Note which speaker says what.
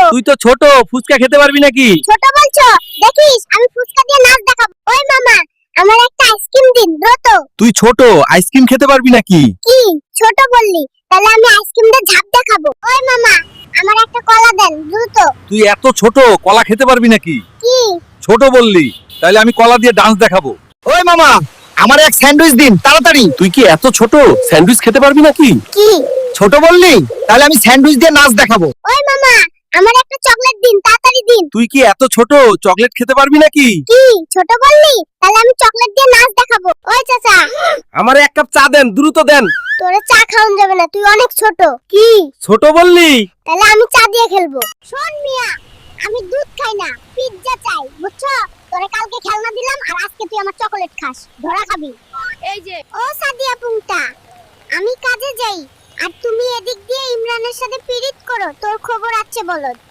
Speaker 1: তুই তো ছোট, ফুচকা খেতে পারবি নাকি?
Speaker 2: ছোট বলছো? দেখিস আমি ফুচকা দিয়ে নাচ দেখাবো। ওই মামা, আমার একটা আইসক্রিম দিন দ্রুত।
Speaker 1: তুই ছোট, আইসক্রিম খেতে পারবি নাকি?
Speaker 2: কি ছোট বললি? তাহলে আমি আইসক্রিম দিয়ে ঝাঁপ দেখাবো। ওই মামা, আমার একটা কলা দেন দ্রুত।
Speaker 1: তুই এত ছোট, কলা খেতে পারবি নাকি?
Speaker 2: কি
Speaker 1: ছোট বললি, তাহলে আমি কলা দিয়ে ডান্স দেখাবো।
Speaker 3: ওই মামা, আমার এক স্যান্ডউইচ দিন তাড়াতাড়ি।
Speaker 1: তুই কি এত ছোট, স্যান্ডউইচ খেতে পারবি নাকি?
Speaker 2: কি
Speaker 3: ছোট বললি, তাহলে আমি স্যান্ডউইচ দিয়ে নাচ দেখাবো।
Speaker 2: ওই মামা, আমার একটা চকলেট দিন তাড়াতাড়ি দিন।
Speaker 1: তুই কি এত ছোট, চকলেট খেতে পারবি নাকি?
Speaker 2: কি ছোট বললি? তাহলে আমি চকলেট দিয়ে নাচ দেখাবো। ওই চাচা,
Speaker 1: আমার এক কাপ চা দেন, দ্রুত দেন।
Speaker 2: তোরে চা খাওয়ান যাবে না, তুই অনেক ছোট। কি
Speaker 1: ছোট বললি?
Speaker 2: তাহলে আমি চা দিয়ে খেলবো। শোন মিয়া, আমি দুধ খাই না, পিৎজা চাই, বুঝছো? তোরে কালকে খেলনা দিলাম আর আজকে তুই আমার চকলেট খাস। ধরা খাবি। এই যে ও সাদিয়া পুংটা, আমি কাজে যাই আর তুমি এদিক দিয়ে ইমরানের সাথে পিরিত করো। তোর খবর আছে বলদ।